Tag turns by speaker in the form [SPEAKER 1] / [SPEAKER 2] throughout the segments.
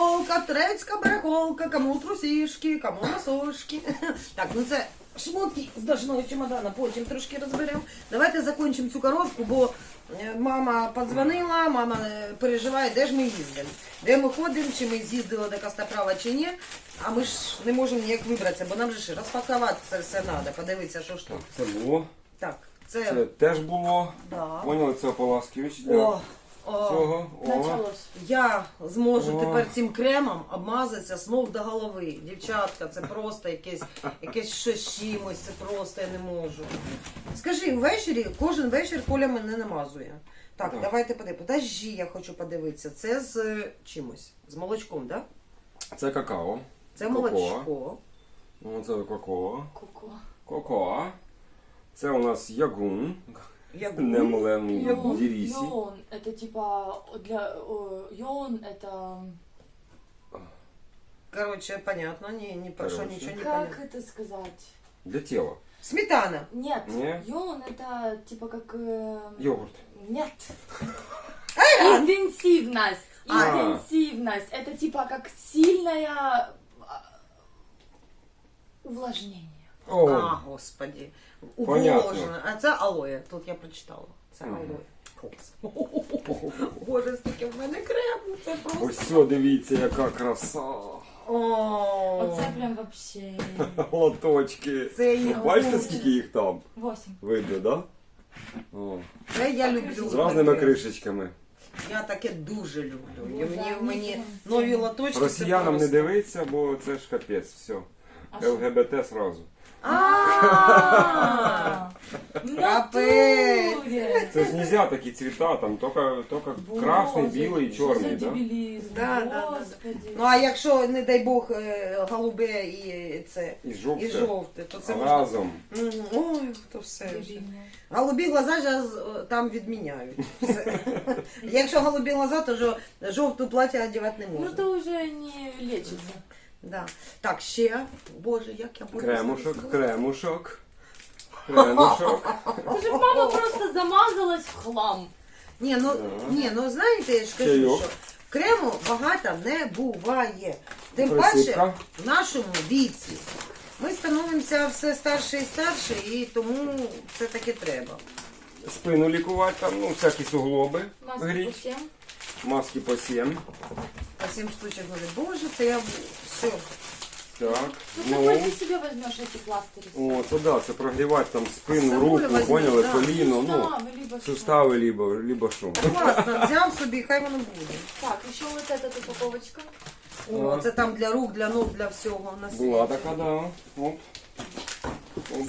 [SPEAKER 1] барахолка, турецька барахолка, кому трусішки, кому носочки. Так, ну це шмотки з дошного чемодана, потім трошки розберемо. Давайте закінчимо цю коробку, бо мама подзвонила, мама переживає, де ж ми їздимо. Де ми ходимо, чи ми з'їздили до Костоправа, чи ні. А ми ж не можемо ніяк вибратися, бо нам же ж розпакувати це все треба, подивитися, що ж тут.
[SPEAKER 2] Це було.
[SPEAKER 1] Так,
[SPEAKER 2] Це теж було.
[SPEAKER 1] Да.
[SPEAKER 2] Поняли, це ополаскивач для цього.
[SPEAKER 3] Началось.
[SPEAKER 1] Я зможу
[SPEAKER 2] О.
[SPEAKER 1] тепер цим кремом обмазатися з ног до голови. Дівчатка, це просто якесь щось з чимось, це просто я не можу. Скажи, ввечері, кожен вечір Коля мене намазує. Так,
[SPEAKER 2] Так.
[SPEAKER 1] давайте подивимося. Подожди, я хочу подивитися. Це з чимось, з молочком, так? Да?
[SPEAKER 2] Це какао.
[SPEAKER 1] Це
[SPEAKER 2] Коко.
[SPEAKER 1] молочко.
[SPEAKER 2] Ну, це какао.
[SPEAKER 3] Коко.
[SPEAKER 2] Коко. Це у нас ягун.
[SPEAKER 1] Ягун.
[SPEAKER 2] Немлемний
[SPEAKER 1] Ягун.
[SPEAKER 2] дірісі.
[SPEAKER 3] Йон, это типа для йон, это
[SPEAKER 1] Короче, понятно, не прошу,
[SPEAKER 2] Короче.
[SPEAKER 1] ничего не
[SPEAKER 3] как
[SPEAKER 1] понятно.
[SPEAKER 3] это сказать?
[SPEAKER 2] Для тіла.
[SPEAKER 1] Сметана.
[SPEAKER 3] Нет,
[SPEAKER 2] Не?
[SPEAKER 3] йон это типа как
[SPEAKER 2] Йогурт.
[SPEAKER 3] нет.
[SPEAKER 1] Айран.
[SPEAKER 3] Интенсивность.
[SPEAKER 1] А.
[SPEAKER 3] Интенсивность. Это типа как сильное увлажнение.
[SPEAKER 2] О,
[SPEAKER 1] А, господи.
[SPEAKER 2] Понятно.
[SPEAKER 1] Уволожено. А це алоє. Тут я прочитала. Це
[SPEAKER 2] Мгм.
[SPEAKER 1] алоє. Боже, скільки в мене крему. Це просто.
[SPEAKER 2] ось все, дивіться, яка краса.
[SPEAKER 1] О,
[SPEAKER 3] Оце прям вообще.
[SPEAKER 2] Лоточки.
[SPEAKER 1] Це їх
[SPEAKER 2] Бачите,
[SPEAKER 1] дуже.
[SPEAKER 2] скільки їх там?
[SPEAKER 3] 8.
[SPEAKER 2] Видно, да? О,
[SPEAKER 1] Це я люблю.
[SPEAKER 2] з різними
[SPEAKER 1] таке.
[SPEAKER 2] кришечками.
[SPEAKER 1] Я таке дуже люблю.
[SPEAKER 3] Ну,
[SPEAKER 1] І
[SPEAKER 3] да,
[SPEAKER 1] мені
[SPEAKER 3] мені
[SPEAKER 1] нові лоточки. це
[SPEAKER 2] Росіянам не
[SPEAKER 1] просто.
[SPEAKER 2] дивиться, бо це ж капець, все.
[SPEAKER 3] А що?
[SPEAKER 2] ЛГБТ сразу.
[SPEAKER 3] А,
[SPEAKER 1] Капець.
[SPEAKER 3] натуре.
[SPEAKER 2] Це ж нельзя такі цвіта, там тільки красний, білий і чорний,
[SPEAKER 3] да?
[SPEAKER 2] да?
[SPEAKER 1] Да.
[SPEAKER 3] Господи.
[SPEAKER 1] Ну а якщо, не дай Бог, голубе і це,
[SPEAKER 2] І
[SPEAKER 1] і
[SPEAKER 2] жовте.
[SPEAKER 1] жовте, то це можна.
[SPEAKER 2] Разом.
[SPEAKER 1] Мгм. Ой, то все вже.
[SPEAKER 3] Дебільно.
[SPEAKER 1] Голубі глаза зараз там відміняють. Все. Якщо голубі глаза, то жовту плаття одягати не
[SPEAKER 3] Ну
[SPEAKER 1] можна.
[SPEAKER 3] то уже не лечится.
[SPEAKER 1] Да. Так, ще. Боже, як я буду.
[SPEAKER 2] Кремушок, кремушок. Кремушок.
[SPEAKER 3] Це ж мама просто замазалась в хлам.
[SPEAKER 1] Ні, ну знаєте, я ж кажу,
[SPEAKER 2] Чайок.
[SPEAKER 1] що крему багато не буває. Тим
[SPEAKER 2] Присипка.
[SPEAKER 1] паче в нашому віці. Ми становимося все старше і старше, і тому це таки треба.
[SPEAKER 2] Спину лікувати, там, ну, всякі суглоби
[SPEAKER 3] Маски
[SPEAKER 2] гріть.
[SPEAKER 3] по всем.
[SPEAKER 2] Маски по 7.
[SPEAKER 1] По 7 штучок говорю, боже, це я все.
[SPEAKER 2] Так.
[SPEAKER 3] Ну
[SPEAKER 2] Ну,
[SPEAKER 3] какой ты себе возьмешь эти пластыри?
[SPEAKER 2] о, це да, це прогрівати там спину,
[SPEAKER 1] З собою
[SPEAKER 2] руку,
[SPEAKER 1] возьму,
[SPEAKER 2] поняли,
[SPEAKER 1] да.
[SPEAKER 2] коліно, ну,
[SPEAKER 3] Суставы, либо что.
[SPEAKER 2] сустави, либо що.
[SPEAKER 1] Класно, взяв собі, хай воно буде.
[SPEAKER 3] Так, еще вот эта тут упаковочка.
[SPEAKER 1] О, це там для рук, для ног, для всього на світі.
[SPEAKER 2] Була така, да. Оп. Оп.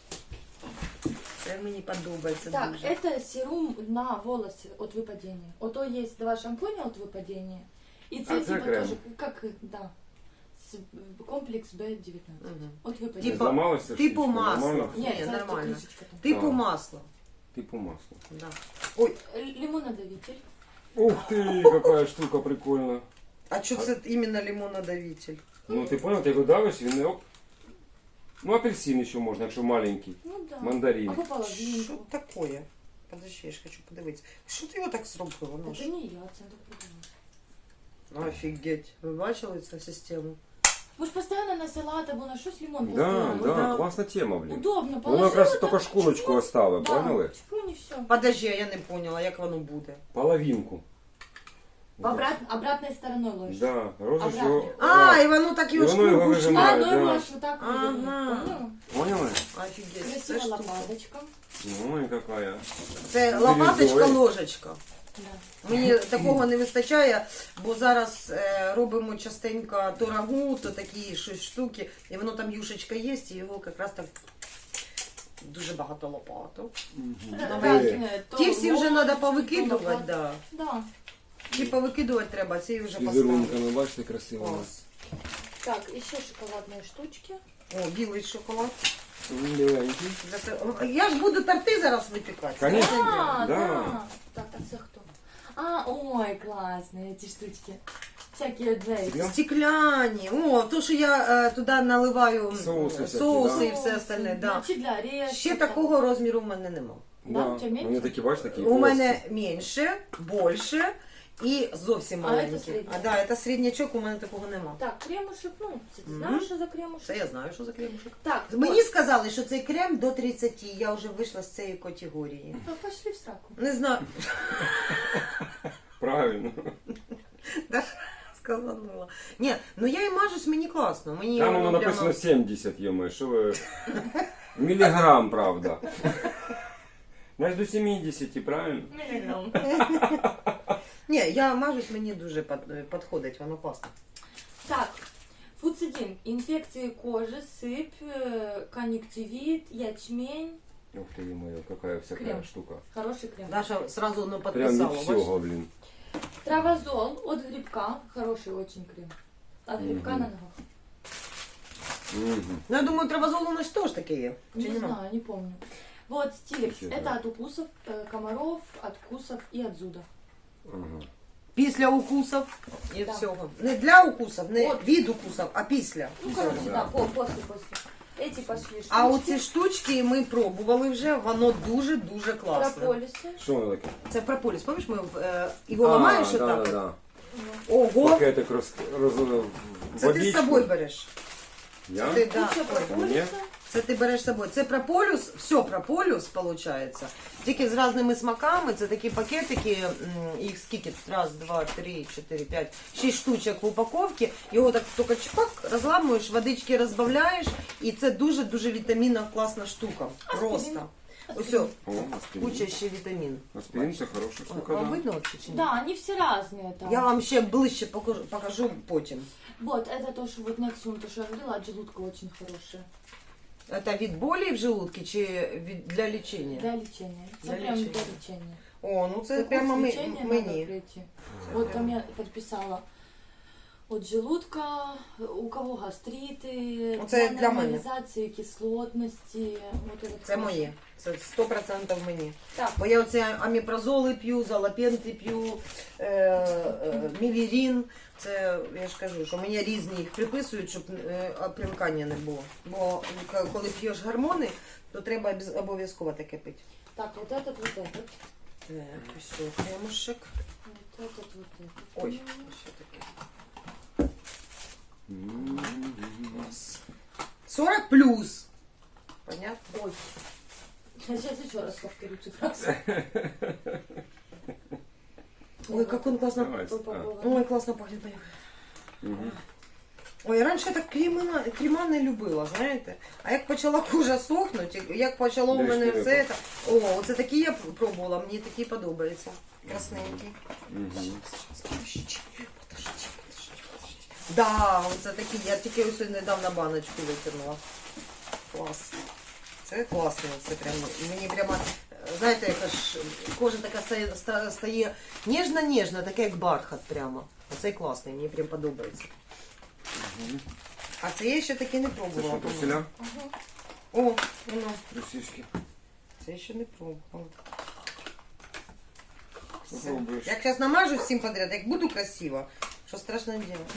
[SPEAKER 1] Це мені подобається
[SPEAKER 3] Так,
[SPEAKER 1] дуже.
[SPEAKER 3] это серум на волосы от выпадения. Ото есть два шампуня от выпадения. И
[SPEAKER 2] А
[SPEAKER 3] це
[SPEAKER 2] це
[SPEAKER 3] типа
[SPEAKER 2] крем.
[SPEAKER 3] тоже, как, да, комплекс B19.
[SPEAKER 1] Мгм.
[SPEAKER 3] От
[SPEAKER 2] Не
[SPEAKER 3] выпадения.
[SPEAKER 1] Типа-
[SPEAKER 2] зламалася
[SPEAKER 1] типу
[SPEAKER 2] штучка?
[SPEAKER 1] масло.
[SPEAKER 2] Нормально?
[SPEAKER 1] Ні,
[SPEAKER 3] Нет, это
[SPEAKER 1] нормально.
[SPEAKER 3] крышечка там.
[SPEAKER 1] Типу
[SPEAKER 2] А.
[SPEAKER 1] масло.
[SPEAKER 2] Типу масло.
[SPEAKER 1] Да. Ой,
[SPEAKER 3] Лимонодавитель.
[SPEAKER 2] Ух ты, какая штука прикольна.
[SPEAKER 1] а що це іменно лимонодавитель?
[SPEAKER 2] Ну ти понял, ти його давиш, він оп. Ну апельсин ще можна, якщо маленький.
[SPEAKER 3] Ну да.
[SPEAKER 2] Мандарин.
[SPEAKER 3] Або
[SPEAKER 1] Що
[SPEAKER 3] половинку.
[SPEAKER 1] таке? Подожди, я ж хочу подивитися. Що ти його так зробила? Ну,
[SPEAKER 3] Это
[SPEAKER 1] ж?
[SPEAKER 3] не я, це так придумала.
[SPEAKER 1] Офігеть. Ви бачили цю систему?
[SPEAKER 3] Ви ж постійно на салат або на щось лимон
[SPEAKER 2] Да,
[SPEAKER 3] поставили.
[SPEAKER 2] да,
[SPEAKER 1] да.
[SPEAKER 2] класна тема, блін.
[SPEAKER 3] Удобно,
[SPEAKER 2] Воно якраз тільки шкурочку оставив,
[SPEAKER 3] да,
[SPEAKER 2] поняли?
[SPEAKER 3] чпунь і все.
[SPEAKER 1] Подожди, я не поняла, як воно буде.
[SPEAKER 2] Половинку.
[SPEAKER 3] Обратной стороной ложишь.
[SPEAKER 2] Да, розиш
[SPEAKER 3] Обратно.
[SPEAKER 2] його.
[SPEAKER 1] А, і воно так
[SPEAKER 2] І
[SPEAKER 1] його
[SPEAKER 2] воно його
[SPEAKER 1] шкурку
[SPEAKER 2] вижимає.
[SPEAKER 3] А, ну
[SPEAKER 2] да.
[SPEAKER 3] и можешь вот так
[SPEAKER 1] Ага.
[SPEAKER 3] вывернуть.
[SPEAKER 2] Поняли?
[SPEAKER 1] Офігеть. Це,
[SPEAKER 3] Красивая
[SPEAKER 1] штука.
[SPEAKER 3] лопаточка.
[SPEAKER 2] Ну і какая.
[SPEAKER 1] Це лопаточка,
[SPEAKER 2] Бирюзовий.
[SPEAKER 1] ложечка.
[SPEAKER 3] Да.
[SPEAKER 1] Мені такого не вистачає, бо зараз робимо частенько то рагу, то такі щось штуки, і воно там юшечка є, і його якраз так дуже багато лопаток.
[SPEAKER 3] Разные, то
[SPEAKER 1] Ті всі вже
[SPEAKER 3] ложечки,
[SPEAKER 1] треба
[SPEAKER 3] то
[SPEAKER 1] повикидувати,
[SPEAKER 3] лопатки.
[SPEAKER 1] да.
[SPEAKER 3] Да.
[SPEAKER 1] Ті повикидувати треба, ці вже
[SPEAKER 2] З
[SPEAKER 1] поставити.
[SPEAKER 2] візерунками, бачите, красиво.
[SPEAKER 1] Клас.
[SPEAKER 3] Так, еще шоколадные штучки.
[SPEAKER 1] О, білий шоколад.
[SPEAKER 2] Біленький.
[SPEAKER 1] Я ж буду торти зараз випікати.
[SPEAKER 2] Конечно.
[SPEAKER 3] А,
[SPEAKER 2] да.
[SPEAKER 3] да. Так, це хто? А, ой, классные эти штучки. Всякие джейки.
[SPEAKER 2] Да.
[SPEAKER 1] Стекляні. О, то, що я туди наливаю
[SPEAKER 2] Соуси всякі,
[SPEAKER 1] соуси
[SPEAKER 2] да.
[SPEAKER 1] і все остальне. Да.
[SPEAKER 3] Чи для орешків.
[SPEAKER 1] Ще такого розміру в мене нема.
[SPEAKER 3] Да, у тебе менше?
[SPEAKER 2] Вони такі, бачите, такі
[SPEAKER 1] У мене менше, більше і зовсім
[SPEAKER 3] А, це
[SPEAKER 1] маленькі.
[SPEAKER 3] середнячок.
[SPEAKER 1] А да, це середнячок, у мене такого нема.
[SPEAKER 3] Так, кремушек, ну, ти
[SPEAKER 1] Мгм.
[SPEAKER 3] знаєш, що за кремушек?
[SPEAKER 1] Це я знаю, що за кремушек.
[SPEAKER 3] Так,
[SPEAKER 1] Мені сказали, що цей крем до 30, я вже вийшла з цієї категорії.
[SPEAKER 3] Ну, пошли в сраку.
[SPEAKER 1] Не знаю.
[SPEAKER 2] Правильно.
[SPEAKER 1] Даша сказанула. Ні, ну я і мажусь, мені класно. Мені
[SPEAKER 2] Там воно
[SPEAKER 1] прямо-
[SPEAKER 2] написано 70, йома, що ви... Міліграм, правда. Значить до 70, правильно?
[SPEAKER 3] Миллиграмм.
[SPEAKER 1] Ні, я мажусь, мені дуже підходить, воно класно.
[SPEAKER 3] Так, фуцидин. Инфекции кожи, сыпь, конъюнктивит, ячмень.
[SPEAKER 2] Ух ты, моя, какая всякая
[SPEAKER 3] Крем.
[SPEAKER 2] штука.
[SPEAKER 3] Хороший крем.
[SPEAKER 1] Даша сразу ну,
[SPEAKER 2] Прям
[SPEAKER 1] підписала.
[SPEAKER 2] від
[SPEAKER 1] бачиш?
[SPEAKER 2] всього, блін.
[SPEAKER 3] Травозол от грибка. Хороший очень крем. От грибка
[SPEAKER 2] Мгм.
[SPEAKER 3] на ногах.
[SPEAKER 2] Мгм.
[SPEAKER 1] Ну, я думаю, травозол у нас теж таке є. Чи
[SPEAKER 3] Не
[SPEAKER 1] нема?
[SPEAKER 3] знаю, не помню. Вот стиликс.
[SPEAKER 2] Вообще,
[SPEAKER 3] Это
[SPEAKER 2] да.
[SPEAKER 3] от укусов, комаров, от вкусов и от зуда.
[SPEAKER 2] Ага.
[SPEAKER 1] Після укусів і
[SPEAKER 3] Да.
[SPEAKER 1] всього. Не для укусів, не
[SPEAKER 3] От.
[SPEAKER 1] від укусів, а після.
[SPEAKER 3] Ну,
[SPEAKER 1] Всього.
[SPEAKER 3] короче, да, после. Эти пошли штучки.
[SPEAKER 1] А оці штучки ми пробували вже, воно дуже-дуже класно.
[SPEAKER 3] Прополисы.
[SPEAKER 2] Що воно таке?
[SPEAKER 1] Це прополіс, пам'ятаєш, ми його ламаєш
[SPEAKER 2] да,
[SPEAKER 1] отак?
[SPEAKER 2] да, да.
[SPEAKER 1] Ого,
[SPEAKER 2] Пакетик
[SPEAKER 1] це ти з собою береш.
[SPEAKER 2] Я?
[SPEAKER 1] Ти, да.
[SPEAKER 3] Куча
[SPEAKER 1] Ой,
[SPEAKER 3] прополиса.
[SPEAKER 1] це ти береш з собою. Це прополіс, все прополіс, виходить. Тільки з різними смаками. Це такі пакетики, їх скільки? Раз, два, три, чотири, п'ять, 6 штучок в упаковці. Його так тільки чпак, розламуєш, водички розбавляєш. І це дуже-дуже вітамінна класна штука. Просто. Ось,
[SPEAKER 2] О, аспирин.
[SPEAKER 1] куча ще вітамін.
[SPEAKER 2] Аспирин це хороша штука,
[SPEAKER 1] Вам
[SPEAKER 2] да.
[SPEAKER 1] видно вообще чи ні?
[SPEAKER 3] Да, они все разные там.
[SPEAKER 1] Я вам ще ближче покажу потім.
[SPEAKER 3] Вот, это то, что вот Nexum, то, что я говорила, от желудка очень хорошее.
[SPEAKER 1] Це від болі в желудке чи для лічення?
[SPEAKER 3] Для лечения.
[SPEAKER 1] Для
[SPEAKER 3] Это прям
[SPEAKER 1] лечения.
[SPEAKER 3] для лечения.
[SPEAKER 1] О, ну це
[SPEAKER 3] Курс
[SPEAKER 1] прямо
[SPEAKER 3] лечения надо
[SPEAKER 1] мені.
[SPEAKER 3] пройти. Вот там я подписала от желудка, у кого гастриты,
[SPEAKER 1] Оце для мене.
[SPEAKER 3] нормализации кислотности. Вот это
[SPEAKER 1] Це моє. Це 100% мені.
[SPEAKER 3] Так,
[SPEAKER 1] Бо я оці аміпразоли п'ю, залапенти п'ю, мівірін. Це, я ж кажу, що мені різні їх приписують, щоб примкання не було. Бо коли п'єш гормони, то треба обов'язково таке пити.
[SPEAKER 3] так, вот этот, вот этот.
[SPEAKER 1] Так, ось кремушек.
[SPEAKER 3] Вот этот, вот этот.
[SPEAKER 1] Ой, ось таке.
[SPEAKER 2] М.
[SPEAKER 1] 40 плюс. Понятно?
[SPEAKER 3] Ой. Сейчас еще раз повторю эту фразу.
[SPEAKER 1] Ой, как он классно.
[SPEAKER 2] Давай.
[SPEAKER 1] Ой, классно пахнет.
[SPEAKER 2] Мгм.
[SPEAKER 1] Ой, раніше я так крема не любила, знаєте. А як почала кожа сохнути, як почало у
[SPEAKER 2] Де ж
[SPEAKER 1] мене
[SPEAKER 2] ти
[SPEAKER 1] все це. О, оце такі я пробувала, мені такі подобаються. Красненькі.
[SPEAKER 2] Мгм.
[SPEAKER 1] Подожди. Да, оце такі, я тільки ось недавно баночку витягнула. Клас. Це класно, це прям, мені прямо, знаєте, яка ж кожа така стає ніжна-ніжна, така як бархат прямо. Оцей класний, мені прям подобається. А це я ще таки не
[SPEAKER 2] Це
[SPEAKER 1] пробувала.
[SPEAKER 2] що, труселя?
[SPEAKER 1] О, воно.
[SPEAKER 2] Трусішки.
[SPEAKER 1] Це я ще не пробувала. Все.
[SPEAKER 2] Попробуєш.
[SPEAKER 1] Як зараз намажу всім подряд, як буду красиво, що страшно делать.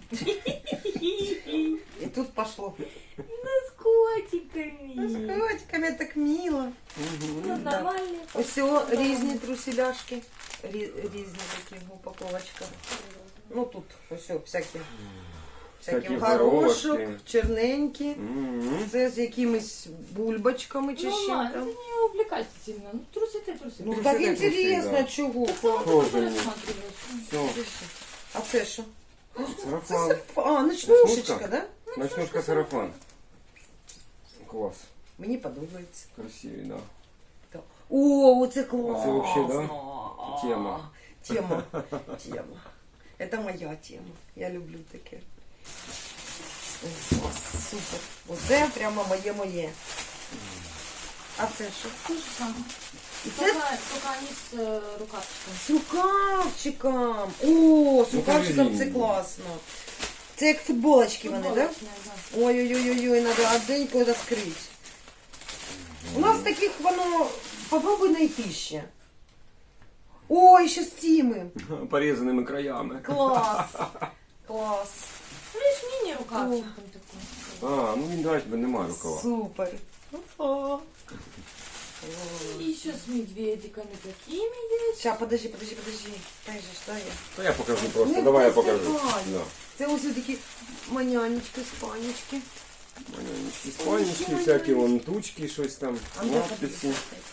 [SPEAKER 1] І тут пошло.
[SPEAKER 3] С котиками.
[SPEAKER 1] З котиками так мило.
[SPEAKER 3] Ну,
[SPEAKER 1] Да.
[SPEAKER 3] нормально.
[SPEAKER 1] Ось різні труселяшки. Різні такі упаковочка. Ну тут ось всякі. Всякі
[SPEAKER 2] Всякі
[SPEAKER 1] в горошок,
[SPEAKER 2] горошки.
[SPEAKER 1] черненькі.
[SPEAKER 2] Мгм.
[SPEAKER 1] Це з якимись бульбочками чи
[SPEAKER 3] Ну,
[SPEAKER 1] з
[SPEAKER 3] ма,
[SPEAKER 1] чим
[SPEAKER 3] это
[SPEAKER 1] там.
[SPEAKER 3] не увлекайся сильно. Ну, трусы ты, трусы.
[SPEAKER 1] Ну
[SPEAKER 2] Ну,
[SPEAKER 1] так
[SPEAKER 2] це
[SPEAKER 1] інтересно,
[SPEAKER 2] да.
[SPEAKER 1] чого.
[SPEAKER 2] Тоже ні.
[SPEAKER 3] рассматриваешь.
[SPEAKER 2] Все,
[SPEAKER 1] А це що?
[SPEAKER 2] сарафан.
[SPEAKER 1] А, ночнушечка,
[SPEAKER 2] Ночнушка?
[SPEAKER 1] да?
[SPEAKER 2] Ночнушка сарафан. Клас.
[SPEAKER 1] Мені подобається.
[SPEAKER 2] Красивий, да.
[SPEAKER 1] О, оце класно.
[SPEAKER 2] Це вообще, да? Тема.
[SPEAKER 1] Тема. Тема. Это моя тема. Я люблю таке. Ой, клас, супер. Оце прямо моє. А це що?
[SPEAKER 3] То же самое.
[SPEAKER 1] І
[SPEAKER 3] Только,
[SPEAKER 1] це
[SPEAKER 3] только они с рукавчиком.
[SPEAKER 1] з рукавчиком. О, з
[SPEAKER 2] Ну,
[SPEAKER 1] рукавчиком
[SPEAKER 2] кажи,
[SPEAKER 1] це
[SPEAKER 2] Лінь.
[SPEAKER 1] класно. Це як футболочки вони, так? Да?
[SPEAKER 3] Футболочная, да.
[SPEAKER 1] Ой-ой-ой, надо одненько это скрыть. У нас таких воно, попробуй найти ще. Ой, ще стіми.
[SPEAKER 2] Порізаними краями.
[SPEAKER 1] Клас. Клас.
[SPEAKER 3] Ну, видишь, мини-рукавчиком такой.
[SPEAKER 2] А, ну він дать, бо немає рукава.
[SPEAKER 1] Супер. О.
[SPEAKER 3] И еще с медведиками такими есть.
[SPEAKER 1] Сейчас, подожди. Дай же, что я?
[SPEAKER 2] Ну, я покажу просто.
[SPEAKER 1] Ну,
[SPEAKER 2] Давай я
[SPEAKER 1] просто
[SPEAKER 2] покажу.
[SPEAKER 1] давай.
[SPEAKER 2] Да.
[SPEAKER 1] Це ось такі манянечки, спанечки.
[SPEAKER 2] Манянечки, спальнички, всякі вон тучки, щось там,
[SPEAKER 1] А ну,
[SPEAKER 2] надписи.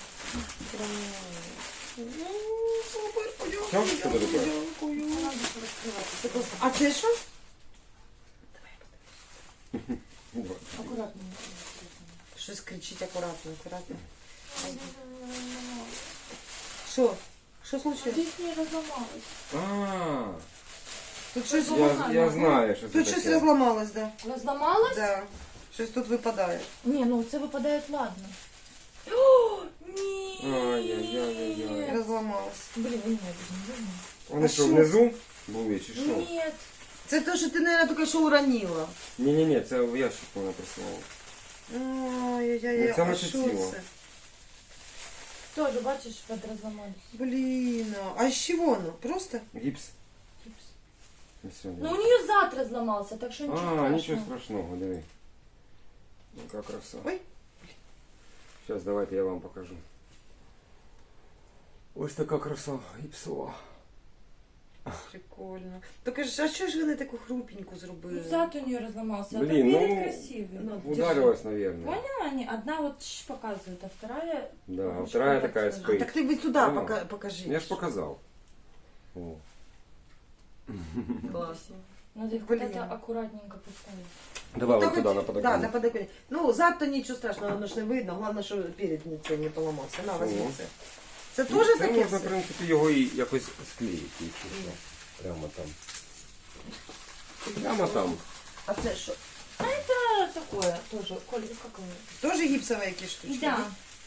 [SPEAKER 2] Що? Що це таке?
[SPEAKER 3] Надо раскрывать.
[SPEAKER 1] А це що?
[SPEAKER 2] Вот.
[SPEAKER 3] Аккуратно.
[SPEAKER 1] Щось кричить акуратно. Що? Що случилось?
[SPEAKER 3] Здесь не разломалось.
[SPEAKER 2] А,
[SPEAKER 1] Тут щось,
[SPEAKER 2] я знаю, що це
[SPEAKER 1] тут щось
[SPEAKER 2] таке.
[SPEAKER 1] розламалось, да.
[SPEAKER 3] Разломалось?
[SPEAKER 1] Да. Щось тут випадає.
[SPEAKER 3] Не, ну це випадає, ладно. О, ні.
[SPEAKER 2] Ай-яй-яй-яй-яй.
[SPEAKER 1] Розламалось.
[SPEAKER 3] Блин, у меня без
[SPEAKER 2] Вони
[SPEAKER 1] А
[SPEAKER 2] що,
[SPEAKER 1] що?
[SPEAKER 2] внизу були чи що?
[SPEAKER 3] Нет.
[SPEAKER 1] Це те, що ти, мабуть, тільки що уронила.
[SPEAKER 2] Ні-ні-ні, це в ящик вона прислала.
[SPEAKER 1] Ай-яй-яй,
[SPEAKER 2] Ну, це
[SPEAKER 1] а
[SPEAKER 2] наче
[SPEAKER 1] що
[SPEAKER 2] ціло.
[SPEAKER 1] це?
[SPEAKER 3] Тоже, бачиш, подразломались.
[SPEAKER 1] Блін, а з чого воно? Просто?
[SPEAKER 2] Гіпс.
[SPEAKER 3] Гипс.
[SPEAKER 2] І все, ні.
[SPEAKER 3] Ну у нее зад разломался, так что ничего
[SPEAKER 2] А,
[SPEAKER 3] страшного.
[SPEAKER 2] нічого страшного, диви. Яка краса.
[SPEAKER 1] Ой.
[SPEAKER 2] Зараз давайте я вам покажу. Ось така краса гіпсова.
[SPEAKER 1] Прикольно. Так а що ж вони таку хрупеньку зробили?
[SPEAKER 3] Ну зад у нее разломался, а
[SPEAKER 2] Блин,
[SPEAKER 3] так перед
[SPEAKER 2] ну,
[SPEAKER 3] красивый.
[SPEAKER 1] ну,
[SPEAKER 2] Ударилась, наверное.
[SPEAKER 3] Поняла они? Одна вот показывает, а вторая...
[SPEAKER 2] Да, а
[SPEAKER 3] Ну,
[SPEAKER 2] вторая
[SPEAKER 3] что
[SPEAKER 2] такая
[SPEAKER 3] так
[SPEAKER 1] А,
[SPEAKER 2] спит.
[SPEAKER 1] так ти сюди
[SPEAKER 2] Поняла?
[SPEAKER 1] покажи.
[SPEAKER 2] Я ж показал. О.
[SPEAKER 1] Класно.
[SPEAKER 3] Надо их
[SPEAKER 1] Блин.
[SPEAKER 3] куда-то аккуратненько поставить.
[SPEAKER 2] Давай
[SPEAKER 1] Ну,
[SPEAKER 2] вот туда, на
[SPEAKER 1] Да,
[SPEAKER 2] подоконник.
[SPEAKER 1] на подоконник. Ну, зад-то нічого страшного, воно ж не видно. Головне, що перед це не поламався. На,
[SPEAKER 2] Що?
[SPEAKER 1] возьми це. Це
[SPEAKER 2] Ну,
[SPEAKER 1] теж
[SPEAKER 2] це
[SPEAKER 1] таке
[SPEAKER 2] можна, в
[SPEAKER 1] все?
[SPEAKER 2] принципі, його і якось склеїти. якщо що. Прямо там. Прямо там.
[SPEAKER 1] А це що?
[SPEAKER 3] Это такое тоже, Коль, как оно?
[SPEAKER 1] Теж гіпсові якісь штучки?
[SPEAKER 3] Да.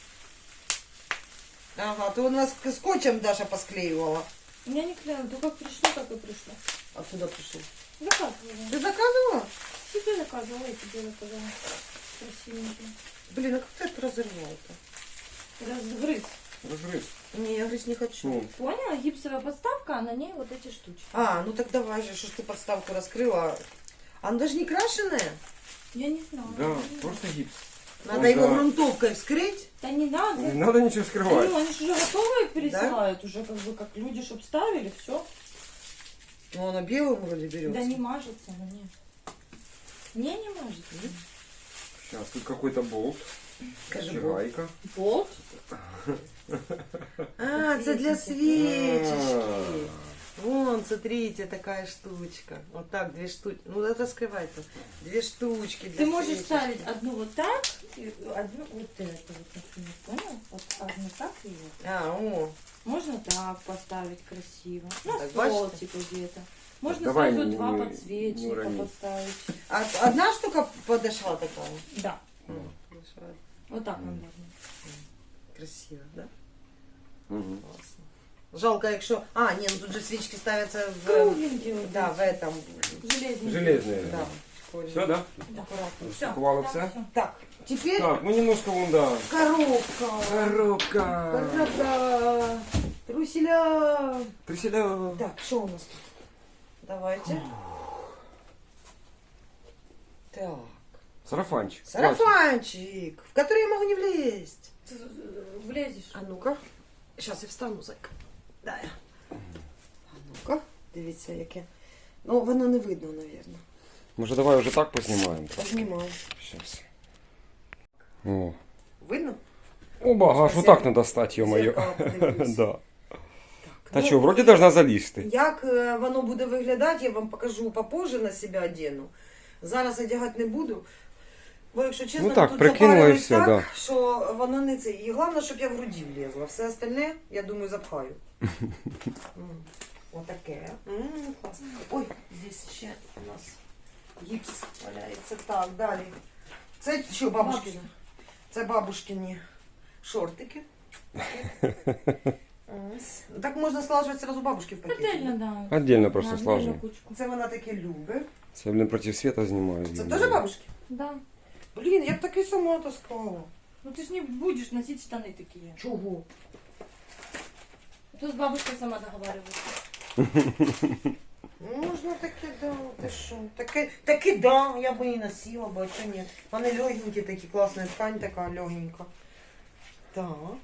[SPEAKER 1] Ага, то у нас скотчем Даша посклеивала.
[SPEAKER 3] Я не клею, то как пришло, так и пришло.
[SPEAKER 1] Откуда пришел?
[SPEAKER 3] Заказывала.
[SPEAKER 1] Ты заказывала?
[SPEAKER 3] Себе заказывала, и тебе заказала. Красивенький.
[SPEAKER 1] Блин, а как ты это разорвал-то?
[SPEAKER 3] Разгрыз.
[SPEAKER 2] Розгриз.
[SPEAKER 1] Не, я говорить не хочу.
[SPEAKER 2] Ну,
[SPEAKER 3] Поняла? Гипсовая подставка, а на ней вот эти штучки.
[SPEAKER 1] А, ну так давай же, что ж ты подставку раскрыла. Она даже не крашеная.
[SPEAKER 3] Я не знаю.
[SPEAKER 2] да, просто гіпс.
[SPEAKER 1] Надо
[SPEAKER 2] Он
[SPEAKER 1] его
[SPEAKER 2] за-
[SPEAKER 1] грунтовкой вскрыть.
[SPEAKER 3] Да не надо.
[SPEAKER 2] Не надо нічого
[SPEAKER 3] Да
[SPEAKER 2] скривати.
[SPEAKER 3] ну, они же уже готовые пересылают, уже как бы как люди, чтоб ставили, все.
[SPEAKER 1] Ну, она белым вроде берется.
[SPEAKER 3] Да не мажется, ну нет. Не мажется.
[SPEAKER 2] Сейчас, тут какой-то болт.
[SPEAKER 1] Скажи,
[SPEAKER 2] Чи
[SPEAKER 1] Бог.
[SPEAKER 2] гайка.
[SPEAKER 3] Вот.
[SPEAKER 1] А, это для свечечки.
[SPEAKER 2] А.
[SPEAKER 1] Вон, смотрите, такая штучка. Вот так, две штучки. Ну, это скрывай-то. Две штучки для
[SPEAKER 3] Ты можешь
[SPEAKER 1] свечечки.
[SPEAKER 3] ставить одну вот так, и одну вот это вот, например, понял? Вот одну так и вот.
[SPEAKER 1] А, о.
[SPEAKER 3] Можно так поставить красиво. На
[SPEAKER 1] Так,
[SPEAKER 3] стол,
[SPEAKER 1] бачите?
[SPEAKER 3] типа где-то. Можно
[SPEAKER 2] давай
[SPEAKER 3] сразу
[SPEAKER 2] не-
[SPEAKER 3] два
[SPEAKER 2] не
[SPEAKER 3] подсвечника
[SPEAKER 2] урони.
[SPEAKER 3] поставить.
[SPEAKER 1] А одна штука подошла такая?
[SPEAKER 3] Да.
[SPEAKER 1] Подошла.
[SPEAKER 3] Вот так нам можно.
[SPEAKER 1] Красиво, да?
[SPEAKER 2] Мгм.
[SPEAKER 1] Классно. Жалко, якщо... А, ні, ну тут же свічки ставляться в...
[SPEAKER 3] Кругленькие вот
[SPEAKER 1] Да, в
[SPEAKER 3] эти.
[SPEAKER 1] этом.
[SPEAKER 3] Железные.
[SPEAKER 2] Железные.
[SPEAKER 1] Да.
[SPEAKER 2] Все, да?
[SPEAKER 3] Да.
[SPEAKER 1] Аккуратно.
[SPEAKER 3] Всё.
[SPEAKER 2] Упаковала
[SPEAKER 3] Да,
[SPEAKER 2] все?
[SPEAKER 3] всё.
[SPEAKER 1] Так, теперь
[SPEAKER 2] Так, ну немножко вон, да.
[SPEAKER 1] коробка.
[SPEAKER 2] Коробка.
[SPEAKER 1] Коробка. Труселя.
[SPEAKER 2] Приселя.
[SPEAKER 1] Так, что у нас тут? Давайте. Так.
[SPEAKER 2] Сарафанчик.
[SPEAKER 1] Сарафанчик, в который я могу не влезть.
[SPEAKER 3] Ты влезешь.
[SPEAKER 1] А ну-ка. Сейчас я встану, зайка. Да. А ну-ка. Дивіться, яке. Ну, воно не видно, наверное.
[SPEAKER 2] Може давай уже так познімаємо?
[SPEAKER 1] Познімаю.
[SPEAKER 2] Сейчас. О.
[SPEAKER 1] Видно?
[SPEAKER 2] Оба, аж
[SPEAKER 1] Щас
[SPEAKER 2] вот
[SPEAKER 1] я
[SPEAKER 2] так надо стать, ё-моё.
[SPEAKER 1] зеркало подивлюсь.
[SPEAKER 2] Да. Та
[SPEAKER 1] Ну,
[SPEAKER 2] що, вроді должна залізти.
[SPEAKER 1] Як воно буде виглядати, я вам покажу попозже, на себе одену. Зараз одягати не буду. Бо, якщо чесно,
[SPEAKER 2] Ну так,
[SPEAKER 1] тут
[SPEAKER 2] прикинула і
[SPEAKER 1] запарилось
[SPEAKER 2] все,
[SPEAKER 1] так,
[SPEAKER 2] да.
[SPEAKER 1] що воно не це. І головне, щоб я в груді влізла. Все остальне, я думаю, запхаю. Отаке. Класно. Ой, здесь ще у нас гіпс валяється. Так, далі. Це що, бабушкини? Це бабушкині шортики. Ось. Так можна слажувати сразу бабушки в пакеті.
[SPEAKER 3] Отдельно, да.
[SPEAKER 2] Отдельно просто
[SPEAKER 3] На
[SPEAKER 2] слажу.
[SPEAKER 3] отдельную кучку.
[SPEAKER 1] Це вона таке любить.
[SPEAKER 2] Це, блін, проти света знімаю.
[SPEAKER 1] Це теж бабушки?
[SPEAKER 3] Да.
[SPEAKER 1] Блін, я б таки сама таскала.
[SPEAKER 3] Ну ты ж не будешь носить штаны такие.
[SPEAKER 1] Чого?
[SPEAKER 3] Тут с бабушкой сама договаривается.
[SPEAKER 1] Можна таке, да. Ти що? Таке, да, я б і носила, бо а чого ні. Вони легенькі такі, класна ткань така, легенька. Так.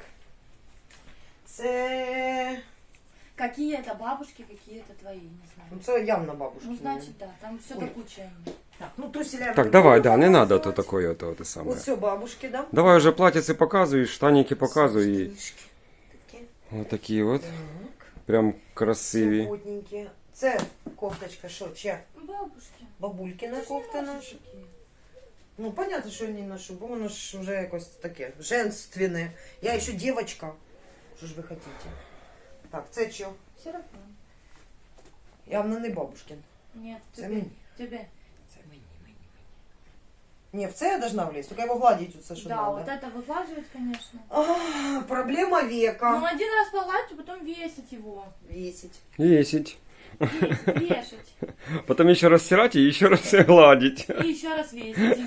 [SPEAKER 1] Це...
[SPEAKER 3] Какие это бабушки, какие это твои, не знаю.
[SPEAKER 1] Ну, це явно бабушки.
[SPEAKER 3] Ну, значит, да, там все
[SPEAKER 1] Ой.
[SPEAKER 3] до кучи.
[SPEAKER 1] Так, ну труселя...
[SPEAKER 2] Так, давай, да, не надо то такое, то те саме.
[SPEAKER 1] Вот все бабушки, да?
[SPEAKER 2] Давай уже платьице показуй, штаники показуй. І
[SPEAKER 1] Штанишки такі.
[SPEAKER 2] отакі от.
[SPEAKER 1] Так.
[SPEAKER 2] Прям красиві.
[SPEAKER 1] Супутненькі. Це кофточка, що, чия?
[SPEAKER 3] Бабушки.
[SPEAKER 1] Бабулькина
[SPEAKER 3] Це ж
[SPEAKER 1] кофта
[SPEAKER 3] не наші
[SPEAKER 1] наша.
[SPEAKER 3] такі.
[SPEAKER 1] Ну, понятно, що я не ношу, бо воно ж вже якось таке женственне. Я ще дівчинка. Що ж ви хочете? Так, це що?
[SPEAKER 3] Сарафан.
[SPEAKER 1] Явно не бабушкин.
[SPEAKER 3] Нет,
[SPEAKER 1] Це
[SPEAKER 3] тебе.
[SPEAKER 1] мені.
[SPEAKER 3] Тебе.
[SPEAKER 1] Це мені. Ні, в це я должна влізти, тільки його гладити оце, що
[SPEAKER 3] Да,
[SPEAKER 1] надо.
[SPEAKER 3] вот это выглаживать, конечно.
[SPEAKER 1] А, проблема
[SPEAKER 3] Ну,
[SPEAKER 1] века.
[SPEAKER 3] один раз погладить, а потом весить его.
[SPEAKER 1] Весить.
[SPEAKER 2] Єсить.
[SPEAKER 3] Вешать.
[SPEAKER 2] Потім ще раз стирати і ще раз гладити.
[SPEAKER 3] И еще раз весить.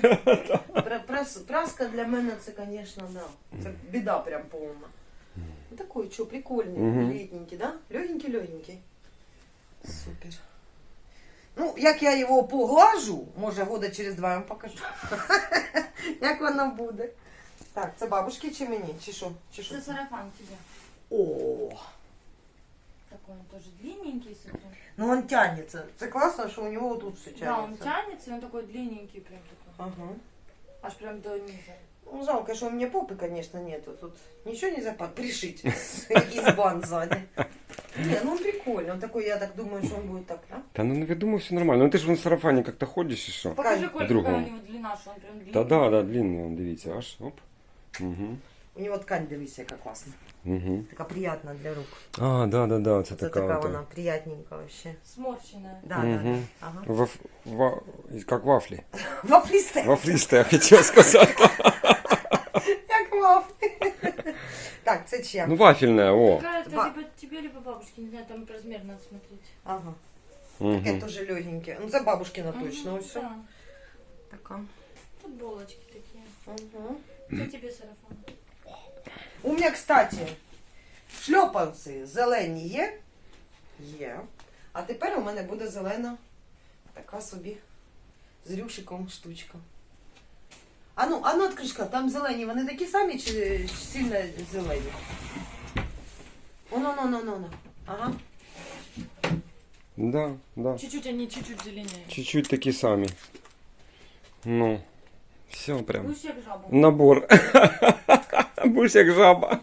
[SPEAKER 1] Праска для мене це, звісно, да. Це біда прям повна. Ну, такой, що, прикольний,
[SPEAKER 2] Мгм.
[SPEAKER 1] літненький, да? Легенький-легенький. Супер. Ну, як я його поглажу, може года через 2 я вам покажу. Як воно буде. Так, це бабушки чи мені? Чи що? Чи що?
[SPEAKER 3] Это сарафан тебе.
[SPEAKER 1] О,
[SPEAKER 3] Такой он тоже длинненький, смотри.
[SPEAKER 1] ну він тягнеться. Це класно, що у нього тут все
[SPEAKER 3] Да, он
[SPEAKER 1] тягнеться.
[SPEAKER 3] тянется, и он такой длинненький прям такой.
[SPEAKER 1] Ага.
[SPEAKER 3] Аж прям до низа.
[SPEAKER 1] Ну, жалко, что у меня попы, конечно, нету. Тут ничего нельзя пришить из бан сзади. Не, ну он прикольный. Он такой, я так думаю, что он будет так, да?
[SPEAKER 2] Та ну я думаю, все нормально. Ну ти ж в сарафані як-то ходиш і що?
[SPEAKER 3] Покажи, Коль,
[SPEAKER 2] другому.
[SPEAKER 3] какая у него длина, что он прям длинный.
[SPEAKER 2] Та да, да, длинний, он, дивіться, аж, оп. Угу.
[SPEAKER 1] У него ткань, дивись, яка класна.
[SPEAKER 2] Угу.
[SPEAKER 1] Така приятна для рук.
[SPEAKER 2] А, да, да, да, це
[SPEAKER 1] Це
[SPEAKER 2] така
[SPEAKER 1] така
[SPEAKER 2] от.
[SPEAKER 1] вона приятненька вообще.
[SPEAKER 3] Сморщенная.
[SPEAKER 1] Да, да,
[SPEAKER 2] Мгм.
[SPEAKER 1] да. Ага.
[SPEAKER 2] Как вафлі.
[SPEAKER 1] Вафлисте.
[SPEAKER 2] Вафлісте, я хотів сказати.
[SPEAKER 1] Як вафлі. Так, це чия?
[SPEAKER 2] Ну, вафельне, о.
[SPEAKER 3] Какая-то
[SPEAKER 1] Ба-
[SPEAKER 3] либо тебе, либо бабушке, не знаю, там размер надо смотреть.
[SPEAKER 1] Ага.
[SPEAKER 2] Угу.
[SPEAKER 1] Таке теж легеньке. Ну, це бабушкина точно,
[SPEAKER 3] Мгм,
[SPEAKER 1] ось.
[SPEAKER 3] да.
[SPEAKER 1] Така.
[SPEAKER 3] Футболочки такие.
[SPEAKER 1] Угу.
[SPEAKER 3] Это тебе сарафан.
[SPEAKER 1] У мене, кстати, шльопанці зелені є. Є. А тепер у мене буде зелена така собі з рюшиком штучка. А ну відкришка, там зелені, вони такі самі чи сильно зелені? Оно. Ага.
[SPEAKER 2] Да, да.
[SPEAKER 3] Чуть-чуть они чуть-чуть зеленее.
[SPEAKER 2] Чуть-чуть такі самі. Ну, все прям.
[SPEAKER 3] Будешь як жаба.
[SPEAKER 2] Набор. Будеш як жаба.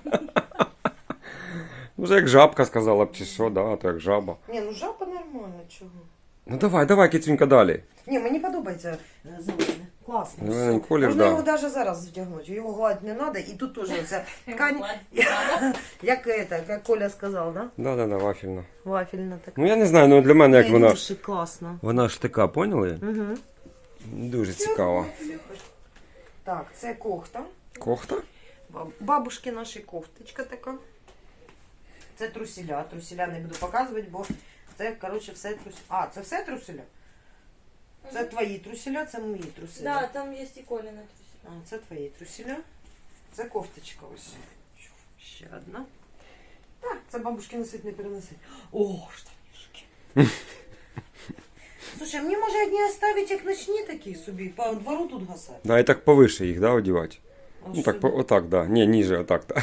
[SPEAKER 2] Вже як жабка сказала б, чи що, да, а то як жаба.
[SPEAKER 1] Ні, ну жаба нормально, чого?
[SPEAKER 2] Ну давай, кицюнька, далі.
[SPEAKER 1] Ні, мені подобається зелене. Класно.
[SPEAKER 2] Зелений
[SPEAKER 1] все.
[SPEAKER 2] колір,
[SPEAKER 1] Можна
[SPEAKER 2] да.
[SPEAKER 1] його навіть зараз вдягнути. Його гладити не треба. І тут теж оця ткань, як Коля сказав, да?
[SPEAKER 2] Да, вафельна.
[SPEAKER 1] Вафельна така.
[SPEAKER 2] Ну я не знаю, ну для мене як вона.
[SPEAKER 1] Рюшик, класно.
[SPEAKER 2] Вона ж така, поняли?
[SPEAKER 1] Угу.
[SPEAKER 2] Дуже цікаво.
[SPEAKER 1] Так, це кофта.
[SPEAKER 2] Кофта?
[SPEAKER 1] Бабушки наші кофточка така. Це труселя. Труселя не буду показувати, бо це, коротше, все труселя. А, це все труселя? Це твої труселя, це мої труселя.
[SPEAKER 3] Да, там есть и Коля на трусе.
[SPEAKER 1] А, це твої труселя. Це кофточка ось. Ще одна. Так, це бабушки носить, не переносить. О, штанішки. Слушай, мені може одні оставить, як ночні такі собі, по двору тут гасати.
[SPEAKER 2] Да, і так повише їх, да, одівати.
[SPEAKER 1] А
[SPEAKER 2] Ну
[SPEAKER 1] що
[SPEAKER 2] так,
[SPEAKER 1] ви?
[SPEAKER 2] отак, да. Ні, ніже, отак, да.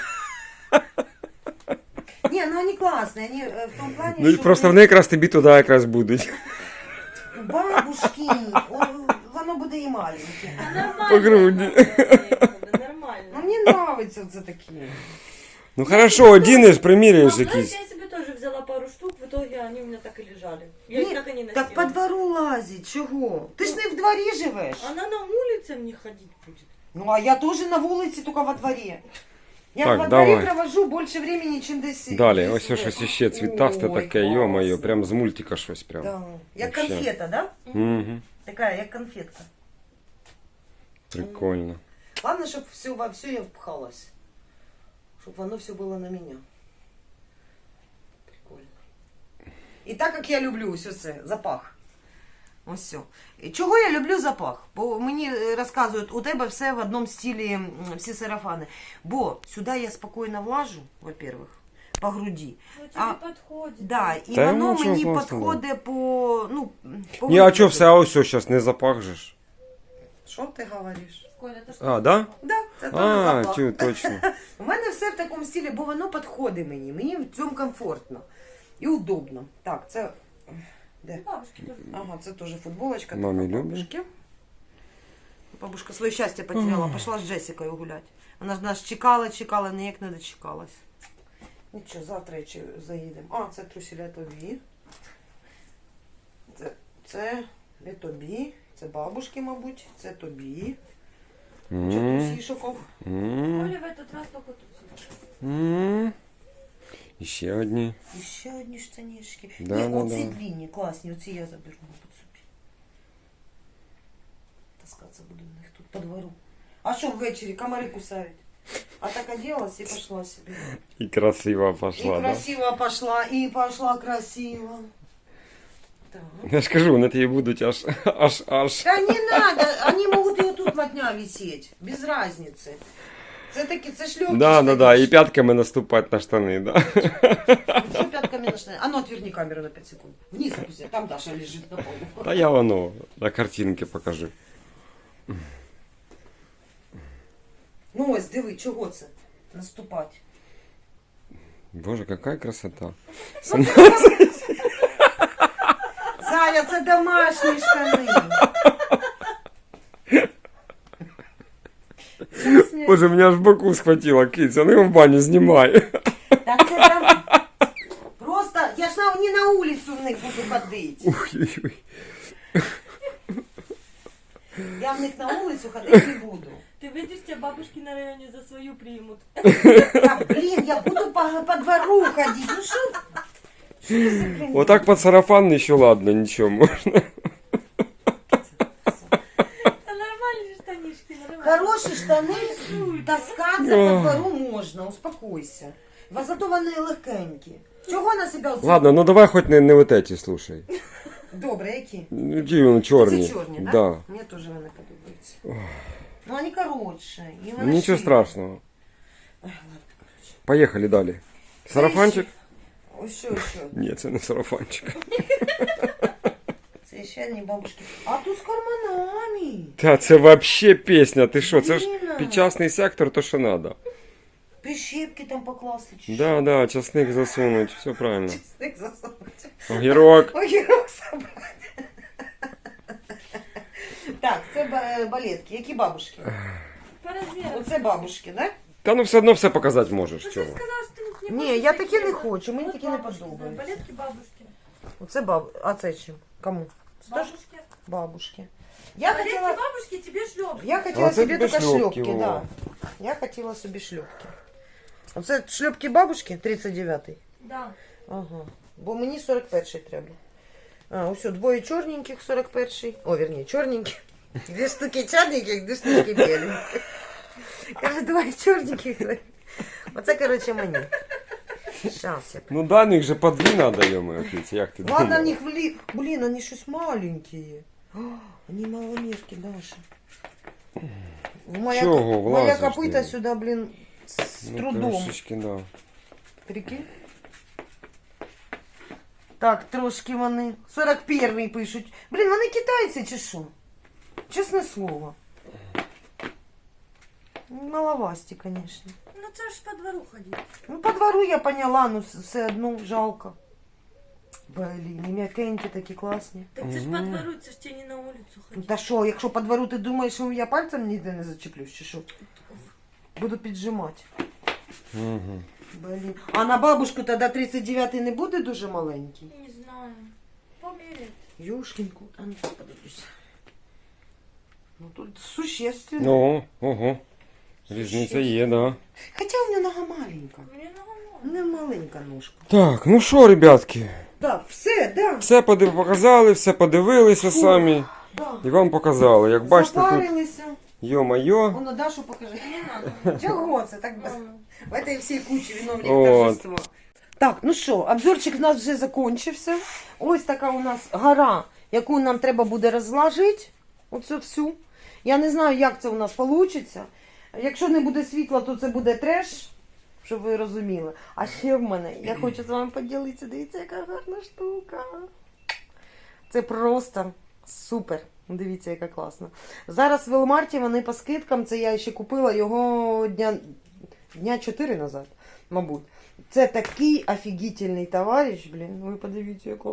[SPEAKER 1] Ні, ну вони класні, вони в тому плані,
[SPEAKER 2] Ну і
[SPEAKER 1] що
[SPEAKER 2] просто вони якраз тобі туди якраз будуть.
[SPEAKER 1] бабушки, воно буде і маленьке.
[SPEAKER 2] По груді.
[SPEAKER 1] Ну
[SPEAKER 3] Нормально.
[SPEAKER 1] мені подобається це такі.
[SPEAKER 2] Ну хорошо, одінеш, приміряєш
[SPEAKER 3] Знаешь,
[SPEAKER 2] якісь.
[SPEAKER 3] я себе тоже взяла пару штук, в итоге они у меня так и лежали. Я их
[SPEAKER 1] Ні,
[SPEAKER 3] так и не носила.
[SPEAKER 1] так по двору лазить, чого? Ти ж не в дворі живеш.
[SPEAKER 3] Она на улице мне ходить будет.
[SPEAKER 1] Ну, а я тоже на вулиці, тільки во дворі. Я
[SPEAKER 2] Так,
[SPEAKER 1] во
[SPEAKER 2] давай.
[SPEAKER 1] дворі провожу більше времени, чим десь.
[SPEAKER 2] Далі,
[SPEAKER 1] десь
[SPEAKER 2] ось
[SPEAKER 1] в
[SPEAKER 2] щось
[SPEAKER 1] этом.
[SPEAKER 2] іще цвітасте
[SPEAKER 1] Ой,
[SPEAKER 2] таке,
[SPEAKER 1] класно.
[SPEAKER 2] йо-моє, прям з мультика щось прям.
[SPEAKER 1] Да. Як
[SPEAKER 2] Вообще.
[SPEAKER 1] конфета, да?
[SPEAKER 2] Угу.
[SPEAKER 1] Така, як конфетка.
[SPEAKER 2] Прикольно.
[SPEAKER 1] Главное, щоб все, во все я впхалась. Щоб воно все було на мене. Прикольно. І так як я люблю все це, запах. Ось все. І чого я люблю запах? Бо мені розказують, у тебе все в одному стилі, всі сарафани. Бо сюди я спокійно влажу, во-первых, по груді.
[SPEAKER 3] Ну, тебе
[SPEAKER 1] А,
[SPEAKER 3] подходит.
[SPEAKER 1] Да, і
[SPEAKER 2] Та
[SPEAKER 1] воно
[SPEAKER 2] ну, що
[SPEAKER 1] мені
[SPEAKER 2] класно,
[SPEAKER 1] підходить по, ну, по
[SPEAKER 2] Ні, а
[SPEAKER 1] вигляду.
[SPEAKER 2] чо все, а ось зараз не запах же ж.
[SPEAKER 1] Що ти говориш?
[SPEAKER 3] Коля, это что?
[SPEAKER 2] А, да?
[SPEAKER 1] Да. Це теж
[SPEAKER 2] А,
[SPEAKER 1] запах.
[SPEAKER 2] чу, точно.
[SPEAKER 1] У мене все в такому стилі, бо воно підходить мені. Мені в цьому комфортно і удобно. Так, це. Де?
[SPEAKER 3] Бабушки тоже.
[SPEAKER 1] Ага, це теж футболочка.
[SPEAKER 2] Мамі
[SPEAKER 1] така
[SPEAKER 2] любить.
[SPEAKER 1] бабушки. Бабушка своє щастя потеряла, пішла з Джесікою гуляти. Вона ж нас чекала, ніяк не дочекалась. Нічого, завтра ще заїдемо. А, це труселя тобі. Це не тобі. Це бабушки, мабуть. Це тобі. Що трусішоков.
[SPEAKER 3] Оля в этот раз только тут.
[SPEAKER 2] І ще одні.
[SPEAKER 1] І ще одні штанішки.
[SPEAKER 2] Да,
[SPEAKER 1] Ні,
[SPEAKER 2] да,
[SPEAKER 1] оці
[SPEAKER 2] да.
[SPEAKER 1] длинні, класні, оці я заберу, мабуть, собі. Таскатися буду в них тут по двору. А що ввечері комари кусають? А так оделась і пішла собі.
[SPEAKER 2] І красиво пошла,
[SPEAKER 1] И
[SPEAKER 2] да?
[SPEAKER 1] красиво пошла, и пошла красиво. Так.
[SPEAKER 2] Я ж кажу, вони тобі будуть аж.
[SPEAKER 1] Да не надо, они могут и вот тут на дня висеть, без разницы. Це такі, це шльопки.
[SPEAKER 2] Да, і пятками наступати на штани, да.
[SPEAKER 1] Что пятками на штаны? А ну отверни камеру на 5 секунд. Вниз опусти, там Даша лежит на полу.
[SPEAKER 2] Та я воно на картинки покажу.
[SPEAKER 1] Ну ось, диви, чого це? Наступати.
[SPEAKER 2] Боже, какая красота.
[SPEAKER 1] Зая, це домашні штани.
[SPEAKER 2] Боже, мене аж в боку схватило, киця, ну його в баню знімай.
[SPEAKER 1] Так це там... Просто, я ж не на вулицю в них буду ходити.
[SPEAKER 2] Ой-ой-ой.
[SPEAKER 1] Я в них на вулицю ходити не буду.
[SPEAKER 3] Ты видишь, тебя бабушки на районе за свою примут.
[SPEAKER 1] Да, блин, я буду по двору ходить. Ну что ты за хрень?
[SPEAKER 2] Вот так под сарафан еще ладно, ничего можно.
[SPEAKER 3] Да нормальные штанишки, нормально.
[SPEAKER 1] Хорошие штаны таскаться по двору можно, успокойся. Зато вони легенькі. Чого на себе оце?
[SPEAKER 2] Ладно, ну давай хоть не вот эти, слушай.
[SPEAKER 1] Добре, які?
[SPEAKER 2] Ну, ті вони чорні.
[SPEAKER 1] Це чорні, так?
[SPEAKER 2] Да.
[SPEAKER 1] Мені теж вони подобаються. Ну, вони коротші. І вони
[SPEAKER 2] Ничего
[SPEAKER 1] шире.
[SPEAKER 2] страшного.
[SPEAKER 1] Ой, ладно, коротше.
[SPEAKER 2] Поехали далі. Сарафанчик?
[SPEAKER 1] Ось що.
[SPEAKER 2] Ні, це не сарафанчик.
[SPEAKER 1] Це ще одні бабушки. А тут з карманами.
[SPEAKER 2] Та це вообще пісня, ти що, це ж
[SPEAKER 1] Блін.
[SPEAKER 2] підчасний сектор, то що надо.
[SPEAKER 1] Прищепки там покласти. чи що?
[SPEAKER 2] Да, да, часник засунуть, все правильно.
[SPEAKER 1] Чесник засунути.
[SPEAKER 2] Огірок.
[SPEAKER 1] Огірок собрати. Так, це балетки. Які бабушки?
[SPEAKER 3] По размерам.
[SPEAKER 1] Оце бабушки, да?
[SPEAKER 2] Та ну все одно все показати можеш,
[SPEAKER 3] Ну ты
[SPEAKER 2] чого.
[SPEAKER 3] сказала, что ты не
[SPEAKER 1] Ні,
[SPEAKER 3] хочешь
[SPEAKER 1] я такі
[SPEAKER 3] такие
[SPEAKER 1] не
[SPEAKER 3] вот.
[SPEAKER 1] хочу, мені
[SPEAKER 3] Вот
[SPEAKER 1] такі не
[SPEAKER 3] бабушки, да,
[SPEAKER 1] подобаються.
[SPEAKER 3] балетки бабушки.
[SPEAKER 1] Оце А це чим? Кому? Це теж
[SPEAKER 3] Бабушки.
[SPEAKER 1] бабушки. Я
[SPEAKER 3] Балетки
[SPEAKER 1] хотіла...
[SPEAKER 3] бабушки, тебе шлепки.
[SPEAKER 1] Я хотіла
[SPEAKER 2] А це
[SPEAKER 1] собі
[SPEAKER 2] тобі
[SPEAKER 1] тільки
[SPEAKER 2] шльопки,
[SPEAKER 1] шльопки,
[SPEAKER 2] во.
[SPEAKER 1] да. Я хотіла собі шльопки. Оце шльопки бабушки, 39-й.
[SPEAKER 3] Да.
[SPEAKER 1] Ага. Бо мені 41-й треба. А, ось двоє чорненьких, 41-й. О, вірні, чорненьких. Дві штуки чорненьких, дві штуки біленьких. Каже, двоє чорненьких. Оце, коротше, мені. Щас я.
[SPEAKER 2] Ну да, них же по дві надо, йому, як ти
[SPEAKER 1] Ладно, в
[SPEAKER 2] думала?
[SPEAKER 1] них блин, они щось маленькие. Они маломерки, Даша. Моя,
[SPEAKER 2] Чого
[SPEAKER 1] моя
[SPEAKER 2] влазиш
[SPEAKER 1] копыта
[SPEAKER 2] ти?
[SPEAKER 1] сюда, блин, с
[SPEAKER 2] Ну,
[SPEAKER 1] трудом.
[SPEAKER 2] трошечки, да.
[SPEAKER 1] Прикинь? Так, трошки вони. 41-й пишуть. Блін, вони китайці чи що? Чесне слово. Маловасті, конечно.
[SPEAKER 3] Ну це ж по двору ходить.
[SPEAKER 1] Ну, по двору я поняла, ну все одно жалко. Блін, і м'якенькі такі класні.
[SPEAKER 3] Так це ж по двору, це ж тебе не на улицу
[SPEAKER 1] Ну,
[SPEAKER 3] ходить.
[SPEAKER 1] та що, якщо по двору ти думаєш, що я пальцем ніде не зачеплюсь, чи що? Буду піджимати.
[SPEAKER 2] Угу.
[SPEAKER 1] Блін. А на бабушку тоді 39-й не буде дуже маленький?
[SPEAKER 3] Не знаю. Померяй.
[SPEAKER 1] Юшкінку, а ну подивлюся. Ну тут существенно.
[SPEAKER 2] Ну, ого. Різниця є, да.
[SPEAKER 1] Хоча у мене нога маленька.
[SPEAKER 3] Мне нормально.
[SPEAKER 1] У мене маленька ножка.
[SPEAKER 2] Так, ну що, ребятки,
[SPEAKER 1] Так, все, да.
[SPEAKER 2] все показали, все подивилися самі.
[SPEAKER 1] Да.
[SPEAKER 2] І вам показали. Як бачите, тут,
[SPEAKER 1] Запарилися.
[SPEAKER 2] йо-майо.
[SPEAKER 1] Воно Дашу покажи.
[SPEAKER 3] Не надо.
[SPEAKER 1] Чого це так без...
[SPEAKER 3] Мама.
[SPEAKER 1] В этой всей куче виновник
[SPEAKER 2] От.
[SPEAKER 1] торжества. Так, ну що, обзорчик у нас вже закінчився. Ось така у нас гора, яку нам треба буде розложити. Оцю всю. Я не знаю, як це у нас вийде. Якщо не буде світла, то це буде треш, щоб ви розуміли. А ще в мене, я хочу з вами поділитися, дивіться, яка гарна штука. Це просто Супер. Дивіться, яка класна. Зараз в Велмарті вони по скидкам, це я ще купила його дня 4 назад, мабуть. Це такий офігітельний товариш, блін. Ви подивіться, якого.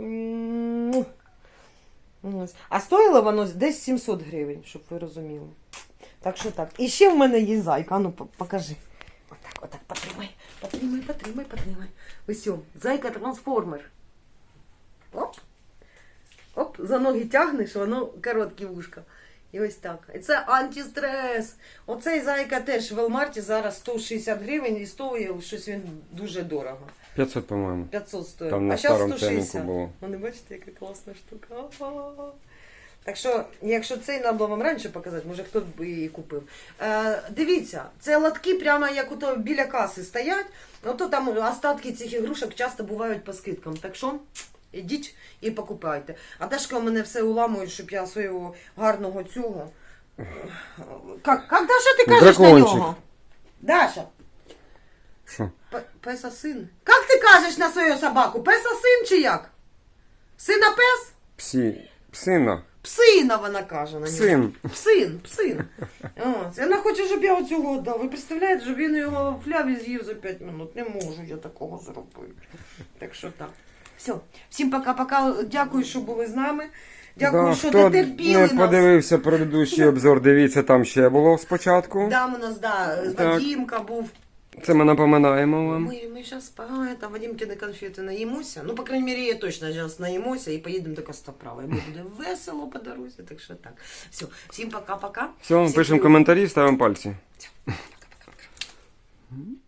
[SPEAKER 1] Ось. А стоїло воно десь 700 гривень, щоб ви розуміли. Так що так. І ще в мене є зайка. А ну, покажи. Отак, потримай. Ось, зайка-трансформер. Оп. Оп, за ноги тягнеш, воно короткі вушка. І ось так. І це антистрес. Оцей зайка теж в Велмарті зараз 160 гривень і стоїть щось він дуже дорого.
[SPEAKER 2] 500, по-моєму.
[SPEAKER 1] 500 стоїть.
[SPEAKER 2] Там на
[SPEAKER 1] а зараз
[SPEAKER 2] старому
[SPEAKER 1] 160.
[SPEAKER 2] ценнику було.
[SPEAKER 1] Вони бачите, яка класна штука. Так що, якщо цей треба вам раніше показати, може хто б і купив. Дивіться, це лотки прямо як ото біля каси стоять. Ото там остатки цих ігрушок часто бувають по скидкам. Так що ідіть і покупайте. А Дашка у мене все уламує, щоб я свого гарного цього. Як Даша ти кажеш
[SPEAKER 2] Дракончик.
[SPEAKER 1] на нього? Даша.
[SPEAKER 2] Що?
[SPEAKER 1] Песа син. Як ти кажеш на свою собаку? Песа син чи як? Сина пес?
[SPEAKER 2] Псина.
[SPEAKER 1] Псина вона каже на нього.
[SPEAKER 2] Псин.
[SPEAKER 1] Псин. Ось. Вона хоче, щоб я оцього дав. Ви представляєте, щоб він його в фляві з'їв за 5 минут. Не можу я такого зробити. Так що так. Все. Всім пока-пока. Дякую, що були з нами. Дякую, що
[SPEAKER 2] хто
[SPEAKER 1] дотерпіли
[SPEAKER 2] не
[SPEAKER 1] нас.
[SPEAKER 2] подивився предыдущий обзор, дивіться, там ще було спочатку.
[SPEAKER 1] Там у нас,
[SPEAKER 2] Так.
[SPEAKER 1] Вадімка був.
[SPEAKER 2] Це ми напоминаємо вам.
[SPEAKER 1] Ми зараз там Вадімкини конфети наїмося. Ну, по крайней мере, я точно зараз наїмося і поїдемо до Костоправа. І буде весело по дорозі, так що так. Все, всім пока-пока.
[SPEAKER 2] Все,
[SPEAKER 1] Всіх
[SPEAKER 2] пишемо
[SPEAKER 1] люблю.
[SPEAKER 2] коментарі, ставимо пальці.
[SPEAKER 1] Все, пока-пока.